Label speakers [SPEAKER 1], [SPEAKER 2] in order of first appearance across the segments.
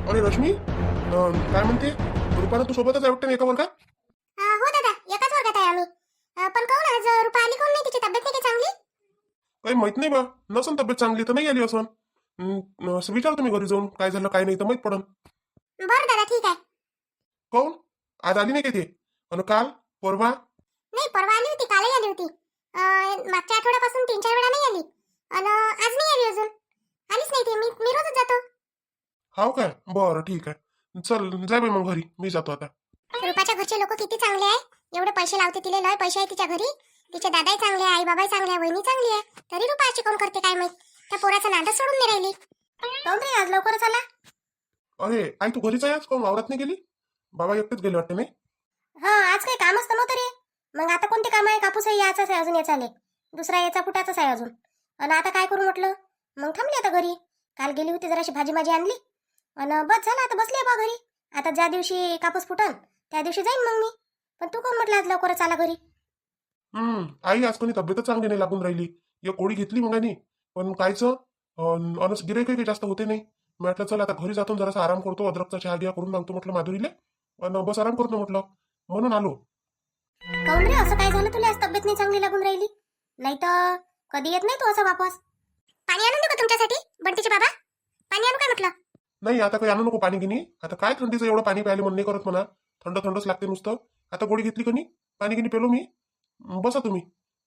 [SPEAKER 1] अरे रश्मी, काय म्हणते रुपाला? तू सोबतच आहे वाटतं ना एका वर्गात?
[SPEAKER 2] हो दादा, एकाच वर्गात आहे आम्ही. पण काहून आज रुपा आली काहून नाही? तिची तब्येत नाही का चांगली?
[SPEAKER 1] काही माहित नाही बा. नसन तब्येत चांगली तर नाही आली असन. असं विचारतो मी घरी जाऊन, काय झालं काय नाही तर माहित पडन.
[SPEAKER 2] बरं दादा, ठीक आहे.
[SPEAKER 1] काहून आज आली नाही का ते? आणि काल परवा?
[SPEAKER 2] नाही, परवा आली होती, कालही आली होती. मागच्या आठवड्यापासून 3-4 वेळा नाही आली. आणि आज नाही आली अजून. आलीच नाही ती. मी रोजच जातो.
[SPEAKER 1] हाव काय? बरं ठीक आहे. चल जाय बाई मग घरी, मी जातो आता.
[SPEAKER 2] रुपाच्या घरचे लोक किती चांगले आहे. एवढे पैसे लावते, तिले लय पैसे आहे तिच्या घरी. तिचे दादाही चांगले आहे, आई बाबाही चांगले आहे, वहिनी चांगली आहे. तरी रुपा अशी कोण करते काय माहित? त्या पोराचा नादच सोडून नाही राहिली. काहून रे आज लवकरच आला?
[SPEAKER 1] अरे आई, तू घरीच आहे आज? काहून वावरात नाही गेली? बाबा एकटेच गेले वाटते नाही?
[SPEAKER 2] आज काही कामच नव्हतं रे. मग आता कोणते काम आहे? कापूसही याचाच आहे अजून, याचा आले दुसरा याचा फुटाचाच आहे अजून. आणि आता काय करू म्हटलं, मग थांबली आता घरी. काल गेली होती, जराशी भाजी माझी आणली आणि बस झालं, आता बसली बा घरी. आता ज्या दिवशी कापूस फुटन त्या दिवशी जाईन मग मी. पण तू कोण म्हटलं आज लवकरच आला घरी?
[SPEAKER 1] आई आज कोणी तब्येतच चांगली नाही लागून राहिली. एक गोळी घेतली मग आणि पण कायचं अनस गिराईक काही जास्त होते नाही. म्हटलं चल आता घरी जातो, जरासा आराम करतो, अद्रकचा चहा घ्या करून मागतो म्हटलं माधुरीले, आणि बस आराम करतो म्हटलं, म्हणून आलो.
[SPEAKER 2] काऊन रे, असं काय झालं तुला आज तब्येत नाही चांगली लागून राहिली? नाही तर कधी येत नाही तू असं वापस. पाणी आणून देऊ का तुमच्यासाठी बंटीचे बाबा? पाणी आणू काय म्हटलं?
[SPEAKER 1] नाही आता काही आणू नको पाणी गिनी. आता काय थंडीचं एवढं पाणी प्यायला मन नाही करत म्हणा. थंड थंडच लागते नुसतं. आता गोळी घेतली कनी, पाणी गिनी पेलो मी. बसा तुम्ही.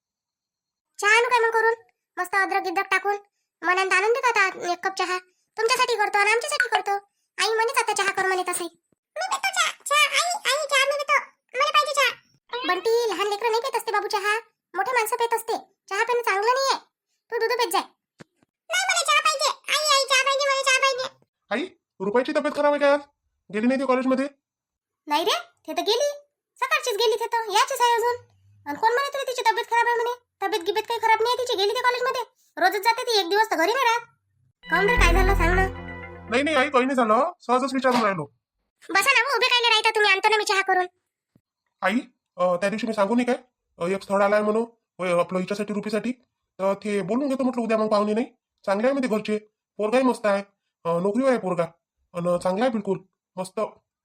[SPEAKER 2] चहा आणू काय मग करून? मस्त अद्रक गिद्रक टाकून मनात आणून देतात. आता 1 कप चहा तुमच्यासाठी करतो आणि आमच्यासाठी करतो. आई म्हणेच आता चहा कर म्हणे तसंही. मी देतो चहा. चहा आई चहा मी देतो. मला पाहिजे चहा. बंटी, लहान लेकरं नाही पेत असते बाबू चहा. मोठे माणसं पेत असते. चहा पिणं चांगलं नाहीये. तू दूध पेत जाय. नाही, मला चहा पाहिजे. आई चहा पाहिजे, मला चहा पाहिजे.
[SPEAKER 1] आई, रुपाईची तब्येत खराब आहे का आज? गेली नाही ती कॉलेजमध्ये?
[SPEAKER 2] नाही रे, ते तर गेली. सकाळचीच गेली. ते तर याचीच आहे अजून. आणि कोण म्हणे तुला तिची तब्येत खराब आहे म्हणे? तब्येत गिबेत काही खराब नाही आहे तिची. गेली ती कॉलेजमध्ये. रोजच जाते ती, 1 दिवस तर घरी नाही राहत. काऊन रे, काय झालं सांग ना.
[SPEAKER 1] नाही आई, काही नाही झालं, सहजच विचारून राहिलो.
[SPEAKER 2] बसा ना, उभे काय राहता तुम्ही? आणतो ना मी चहा करून.
[SPEAKER 1] आई, त्या दिवशी मी सांगू नाही काय, एक स्थळ आलाय म्हणून आपलं हिच्यासाठी रुपीसाठी, तर ते बोलून घेतो म्हटलं उद्या. मग पाहुणे नाही चांगले आहे मध्ये घरचे, पोरगाही मस्त आहे, नोकरीवर आहे पोरगा, आणि चांगला आहे बिलकुल मस्त.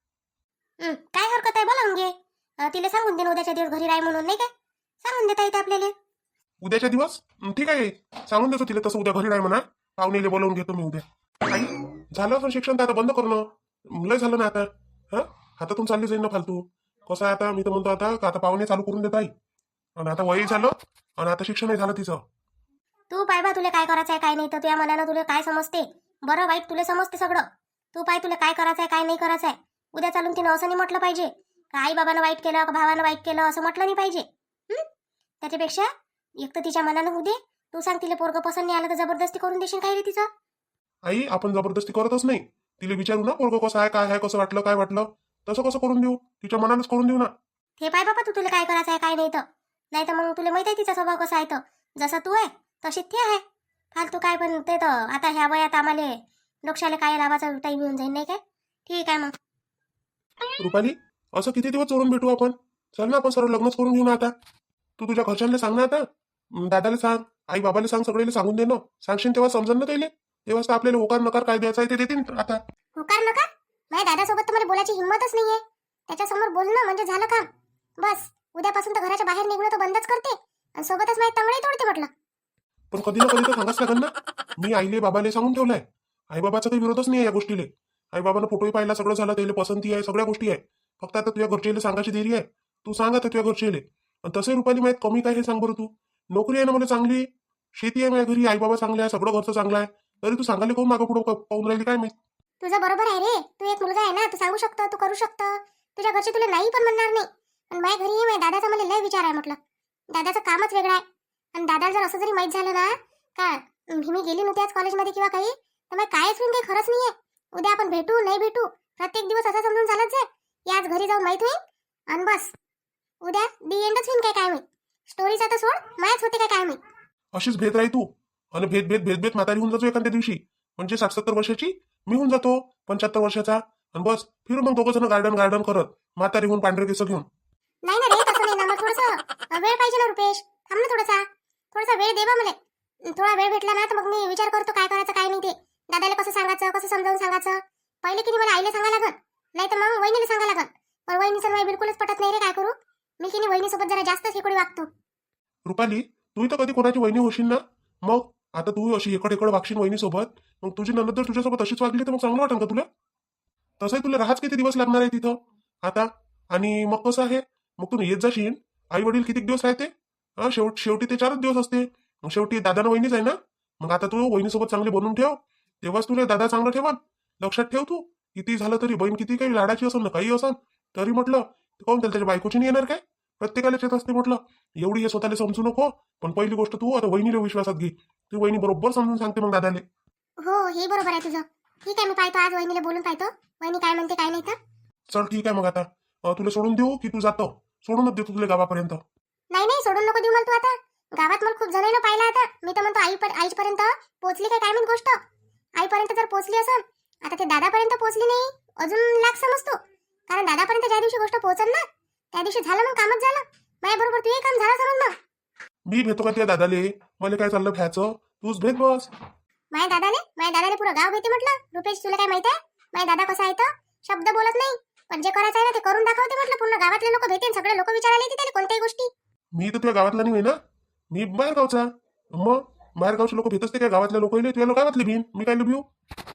[SPEAKER 2] काय हरकत आहे, बोलावून घे. तिला सांगून दे ना उद्याच्या दिवस घरी राह म्हणून, नाही काय? सांगून देता येते आपल्याला.
[SPEAKER 1] उद्याच्या दिवस ठीक आहे, सांगून देतो तिला तसं, उद्या घरी राह म्हणा, पाहुणेले बोलावून घेतो मी उद्या. आई, झालं असं शिक्षण तर आता बंद करणं, लय झालं ना आता. हा, हातातून चालली जाईल ना फालतू. कसं आहे आता, मी तर म्हणतो आता पाहुणे चालू करून देत आई. आणि आता वयही झालं आणि आता शिक्षणही झालं तिचं.
[SPEAKER 2] तू पाय बा, तुला काय करायचं आहे काय नाही, तर तुझ्या मनानं तुला काय समजते, बरं वाईट तुला समजते सगळं. तू पाय, तुला काय करायचं आहे काय नाही करायचं आहे. उद्या चालून तिनं असं नाही म्हटलं पाहिजे का आई बाबानं वाईट केलं का भावानं वाईट केलं, असं म्हटलं नाही पाहिजे. त्याच्यापेक्षा एक तर तिच्या मनानं होऊ दे. तू सांग, तिला पोरगं पसंत नाही आलं तर जबरदस्ती करून देशील काय रे तिचं?
[SPEAKER 1] आई, आपण जबरदस्ती करतच नाही. तिला विचारू ना पोरगं कसं आहे, काय आहे, कसं वाटलं, काय वाटलं, तसं कसं करून देऊ, तिच्या मनानच करून देऊ ना.
[SPEAKER 2] हे पाय बाबा, तू तुला काय करायचं आहे काय नाही तर. नाही तर मग तुला माहित आहे तिचा स्वभाव कसा आहे, तर जसा तू आहे तशीच ते आहे. फालतू काय, पण ते तर आता ह्या वयात आम्हाला डोक्षाला काय लावायचा टाईम येऊन जाईल, नाही काय? ठीक आहे मग.
[SPEAKER 1] रुपाली, असं किती दिवस चोरून भेटू आपण? चल ना, आपण सर्व लग्नच करून घेऊ ना आता. तू तुझ्या घरच्यांना सांग ना आता, दादाला सांग, आई बाबाला सांग, सगळ्याला सांगून दे ना. सांगशील तेव्हा समजन ना त्याला, तेव्हाच तर आपल्याला होकार नकार काय द्यायचा आहे ते देतील आता.
[SPEAKER 2] होकार नका? माझ्या दादासोबत तर मला बोलायची हिंमतच नाहीये. त्याच्यासमोर बोलणं म्हणजे झालं काम. बस उद्यापासून तर घराच्या बाहेर निघणं तर बंदच करते आणि सोबतच माझी तंगडी तोडते म्हटलं.
[SPEAKER 1] पण कधी ना कधी तर सांगाच लागेल ना. मी आईले बाबाले सांगून ठेवलाय, आई बाबाचा काही विरोधच नाही आहे या गोष्टीले. आई बाबांना फोटोही पाहिला, सगळं झालं, त्याला पसंती आहे, सगळ्या गोष्टी आहे. फक्त आता तुझ्या घरचे सांगायची देरी आहे. तू सांग आता तुझ्या घरचे. आणि तसे रुपाली माहीत कमी काय हे सांग बरं तू. नोकरी आहे ना मला चांगली, शेती आहे माझ्या घरी, आई बाबा चांगले आहे, सगळं घरचं चांगलं आहे, तरी तू सांगायला कोण मागं पुढं पाहून राहिली काय माहित.
[SPEAKER 2] तुझं बरोबर आहे रे. तू एक मुलगा आहे ना, तू सांगू शकतो, तू करू शकतो. तुझ्या घरचे तुला नाही पण म्हणणार नाही. पण माझ्या घरी माझ्या दादाचा मला लय विचार आहे म्हटलं. दादाचं कामच वेगळं आहे. आणि दादाला जर असं जरी माहीत झालं ना का मी गेली नव्हती आज कॉलेजमध्ये किंवा काही, तर मग कायच होईन, काही खरंच नाहीये. उद्या आपण भेटू नाही भेटू, प्रत्येक दिवस असा समजून झालाच आहे. आज घरी जाऊन माहित होईल आणि बस उद्या दी एंडच होईन. काय माहित, स्टोरीचा तर सोड, मायच होते काय माहित.
[SPEAKER 1] अशीच भेद राही तू, आणि भेद म्हातारी होऊन जातो एखाद्या दिवशी. म्हणजे 60-70 वर्षाची मी होऊन जातो 75 वर्षाचा, आणि बस फिरू मग दोघं जण गार्डन करत, म्हातारी होऊन पांढरे केस घेऊन.
[SPEAKER 2] नाही ना रे, तसं नाही ना. मग थोडंसं वेळ पाहिजे ना रुपेश. थांब ना थोडासा वेळ दे बा मला. थोडा वेळ भेटला ना तर मग मी विचार करतो काय करायचं काय नाही ते. दादाला कसं सांगायचं, कसं समजावून सांगायचं. पहिले की नाही मला आईला सांगा लागन, नाही तर मग वहिनीला सांगा लागन. पण वहिनीचं मला बिलकुलच पटत नाही रे, काय करू मी की नाही वहिनीसोबत जरा जास्तच हेकडे वागतो.
[SPEAKER 1] रुपाली, तू तर कधी कोणाची वहिनी होशील ना. मग आता तू अशी एकड वागशील वहिनीसोबत, मग तुझी ननद जर तुझ्यासोबत अशीच वागली तर मग चांगलं वाटेल का तुला? तसंही तुला राहाच किती दिवस लागणार आहे तिथं आता. आणि मग कसं आहे, मग तू येत जाशील. आई वडील किती दिवस राहते? शेवटी ते 4च दिवस असते. मग शेवटी दादानं वहिनीच आहे ना. मग आता तू वहिनीसोबत चांगली बनवून ठेव, तेव्हाच तुला दादा चांगला ठेवान. लक्षात ठेव तू. किती झालं तरी बहीण किती काही लाडाची असेल ना काही असेल तरी म्हटलं काहून त्याच्या बायकोची नाही येणार काय? प्रत्येकाला येत असते म्हटलं. एवढी हे स्वतःला समजू नको. पण पहिली गोष्ट तू आता वहिनीला विश्वासात घे. तू वहिनी बरोबर समजून सांगते मग दादाले.
[SPEAKER 2] हो हे बरोबर आहे तुझं. ठीक आहे, मी पाहतो आज वहिनीला बोलून पाहतो, वहिनी काय म्हणते काय नाही तर.
[SPEAKER 1] चल ठीक आहे मग आता तुला सोडून देऊ की तू जातो? सोडूनच देतो तुला गावापर्यंत.
[SPEAKER 2] नाही नाही, सोडून नको देऊ मला तू आता. गावात मला खूप जणांना पाहिलं आता. मी तर म्हणतो आईपर्यंत पोहोचली काय माहित गोष्ट. आईपर्यंत जर पोहोचली असेल, आता ते दादापर्यंत पोहोचली नाही अजून लाख समजतो. कारण दादापर्यंत ज्या दिवशी गोष्ट पोहोचल ना त्या दिवशी झालं, मग कामच झालं. माझ्या बरोबर तुझे काम झालं समज मग.
[SPEAKER 1] मी भेटतो का त्या दादाले? मला काय चाललं भ्याचं, तूच भेट बस.
[SPEAKER 2] माझ्या दादाने पुरं गाव घेते म्हटलं. रुपेश तुला काय माहिती आहे माझ्या दादा कसा आहे तर? शब्द बोलत नाही, पण जे करायचं आहे ना ते करून दाखवते म्हटलं. पूर्ण गावातले लोक भेटेन, सगळे लोक विचारायला येते त्याला कोणत्याही गोष्टी.
[SPEAKER 1] मी तर तुझ्या गावातला नाही ना, मी बाहेर गावचा. मग बाहेर गावचे लोक भेट असते काय गावातल्या लोक? तुझ्या गावातले भिन, मी काय भिऊ?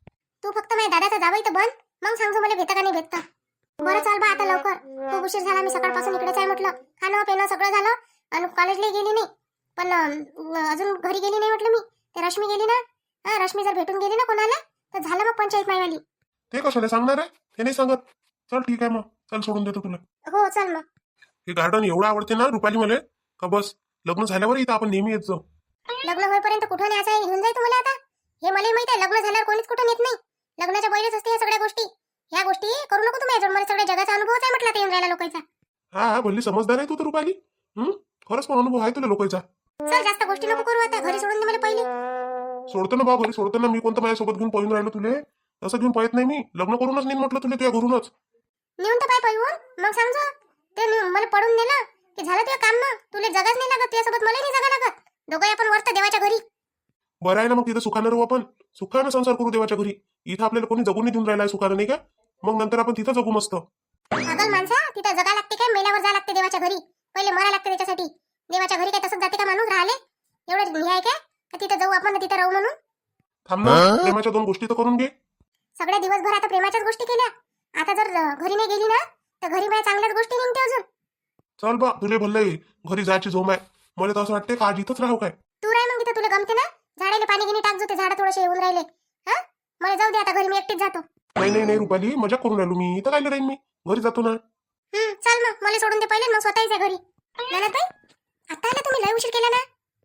[SPEAKER 2] तू फक्त माझ्या दादाचा जावई तर बन, मग सांगतो मला भेटा का नाही भेटता. बरं चाल बा आता लवकर, खूप उशीर झाला. मी सकाळपासून इकडेच आहे म्हटलं. खाणं पिणं सगळं झालं आणि कॉलेजला गेली नाही. पण अजून घरी गेली नाही म्हटलं मी. ते रश्मी गेली ना, रश्मी जर भेटून गेली ना कोणाला तर झालं मग पंचायत मायवाली.
[SPEAKER 1] ते कशाला सांगणार आहे? ते नाही सांगत. चल ठीक आहे मग, चल सोडून देतो तुला.
[SPEAKER 2] हो चल मग.
[SPEAKER 1] हे गार्डन एवढं आवडते ना रुपाली मला का बस लग्न झाल्यावर इथं आपण नेहमी येत जाऊ.
[SPEAKER 2] लग्न होईपर्यंत कुठं न्यायचं आहे घेऊन जाय तुम्हाला आता. हे मला माहिती आहे, लग्न झाल्यावर कोणीच कुठं नेत नाही. लग्नाच्या पहिलेच असते ह्या सगळ्या गोष्टी. ह्या गोष्टी करू नको तुम्ही अजून. मला सगळ्या जगाचा अनुभवच आहे म्हटलं ते येऊन राहिला लोकांचा.
[SPEAKER 1] हा भल्ली समजदार आहे तू तर रुपाली. खरंच पण अनुभव आहे तुला लोकांचा.
[SPEAKER 2] चल जास्त गोष्टी नको करू आता, घरी सोडून दे मला पहिले.
[SPEAKER 1] सोडतो ना भाऊ, घरी सोडतो ना. मी कोणतं माझ्यासोबत घेऊन पळून राहिलो तुले? तसं घेऊन पळत नाही मी. लग्न करूनच नाही म्हटलं तुला तुझ्या घरूनच.
[SPEAKER 2] नेऊन तर पाय पाहिजे मग समजा. ते मला पडून दिलं की झालं तुझं काम. मग तुला जगाच नाही लागत, तुझ्यासोबत मला नाही जगा लागत. दोघं आपण वरत देवाच्या घरी.
[SPEAKER 1] बरं आहे ना मग, तिथं सुखानं राहू आपण. सुखानं संसार करू देवाच्या घरी. इथं आपल्याला कोणी जगून नाही देऊन राहिला सुखानं, नाही का? मग नंतर आपण तिथं जगू मस्त.
[SPEAKER 2] पागल माणसा, तिथं जगा लागते काय? मेल्यावर जा लागते देवाच्या घरी. पहिले मरा लागते त्याच्यासाठी. देवाच्या घरी काय तसंच जाते का माणूस राहिले? एवढं हे आहे काय का तिथं जाऊ आपण तिथं राहू म्हणून?
[SPEAKER 1] थांब ना, प्रेमाच्या 2 गोष्टी तर करून घे.
[SPEAKER 2] सगळ्या दिवसभर आता प्रेमाच्याच गोष्टी केल्या. आता जर घरी नाही गेली ना तर घरी माझ्या चांगल्याच गोष्टी निघते अजून.
[SPEAKER 1] चल बा, तुले भरलंय घरी जायची झोम आहे. मला तर असं वाटते का आज इथंच राहू काय.
[SPEAKER 2] तू राह मग तिथं, तुला गमते ना. झाडाला पाणी गिनी टाक, जो ते झाडं थोडेसे येऊन राहिले. हा मला जाऊ दे आता, घरी मी एकटीच जातो.
[SPEAKER 1] नाही नाही नाही रुपाली, मजा करून राहिलो मी. इथं काय राहीन मी, घरी जातो ना.
[SPEAKER 2] चल मग, मला सोडून दे पहिले, मग स्वतःच घरी. ननदबाई आता आला तुम्ही, लय उशीर केला ना.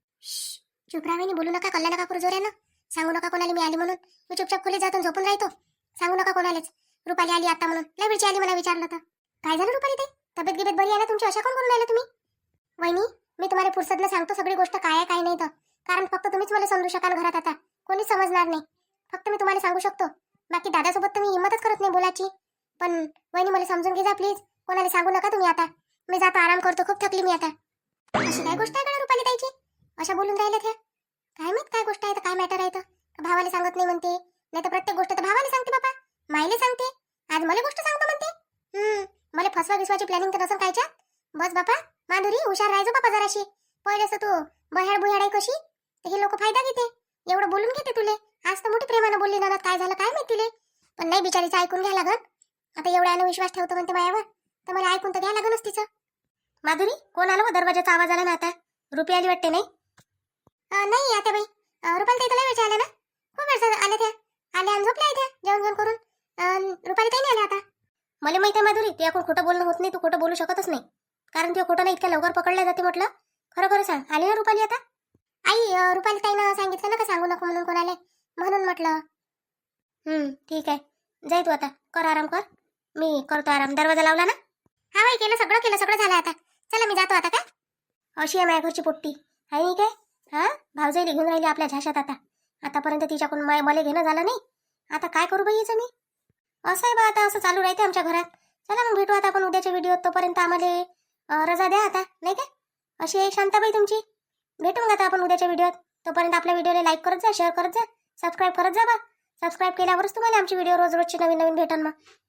[SPEAKER 2] चुप राहा, बोलू नका, कल्ला नका करू जोऱ्यानं. सांगू नका कोणाला मी आली म्हणून. मी चुपचाप खोलीत जातो झोपून राहतो. सांगू नका कोणालाच रुपाली आली आता म्हणून. लय वेळची आली मला विचारलं तर. काय झालं रुपाली ताई, तब्येत गिबेत बरी आहे ना तुमची? अशा कोण करून राहिला तुम्ही? वहिनी मी तुम्हाला फुरसतनं सांगतो सगळी गोष्ट काय आहे काय नाही तर. कारण फक्त तुम्हीच मला समजू शकाल घरात, आता कोणीच समजणार नाही. फक्त मी तुम्हाला सांगू शकतो. बाकी दादासोबत तर मी हिंमतच करत नाही बोलायची. पण वहिनी मला समजून घे जा प्लीज. कोणाला सांगू नका तुम्ही आता. मी जातो, आराम करतो, खूप थकली मी आता. अशी काय गोष्ट आहे का रुपाली ताईची? अशा बोलून राहिल्या त्या. काय माहित काय गोष्ट आहे तर, काय मॅटर आहे तर. भावाला सांगत नाही म्हणते, नाही तर प्रत्येक गोष्ट तर भावाला सांगते बाबा. माईले सांगते, आज मला गोष्ट सांगतो म्हणते. मला फसवा विसवाची प्लॅनिंग तर नसेल कायच्या. बस बापा माधुरी, हुशार राहायचो बापा जराशी. पहिलेच तू बह्याड बुह्याड आहे कशी, तर हे लोक फायदा घेते. एवढं बोलून घेते तुले. आज तर मोठी प्रेमानं बोलली ना, काय झालं काय माहिती तिले. पण नाही, बिचारीचं ऐकून घ्या लागत. आता एवढ्यानं विश्वास ठेवतो म्हणते मायावर, तर मला ऐकून तर घ्या लागणच तिचं. माधुरी कोण आलं? दरवाजाचा आवाज आला ना आता. रुपी आली वाटते नाही? नाही आता बाई, रुपाली ताई तर लय वेळ आल्या ना. खूप वेळ आल्या त्या. आल्या आणि झोपल्या त्या जेवण जेवण करून. रुपाली ताई नाही आल्या आता. मला माहिती आहे माधुरी, ते आपण खोटं बोलणं होत नाही. तू खोटं बोलू शकतच नाही, कारण ते खोटं नाही इतक्या लवकर पकडल्या जाते म्हटलं. खरं खरं सांग, आली ना रुपाली आता? आई रुपाली ताईनं सांगितलं ना का सांगू नको म्हणून कोणाला, म्हणून म्हटलं. ठीक आहे, जाय तू आता, कर आराम कर. मी करतो आराम. दरवाजा लावला ना? हा बाई, केलं सगळं झालं आता. चला मी जातो आता. काय अशी आहे माझ्या घरची पोट्टी आहे नाही काय? भावजाई घेऊन राहिली आपल्या झाशात आता. आतापर्यंत तिच्याकडून मला घेणं झालं नाही. आता काय करू बाई याचं मी? असं आहे बा, आता असं चालू राहते आमच्या घरात. चला मग भेटू आता आपण उद्याच्या व्हिडिओत. तोपर्यंत आम्हाला रजा द्या आता, नाही काय? अशी आहे शांताबाई तुमची. भेटू मग आता आपण उद्याच्या व्हिडिओत. तोपर्यंत आपल्या व्हिडिओला लाईक करत जा, शेअर करत जा, सबस्क्राईब करत जा बा. सबस्क्राईब केल्यावरच तुम्हाला आमची व्हिडिओ रोज रोजची नवीन नवीन भेटन मग.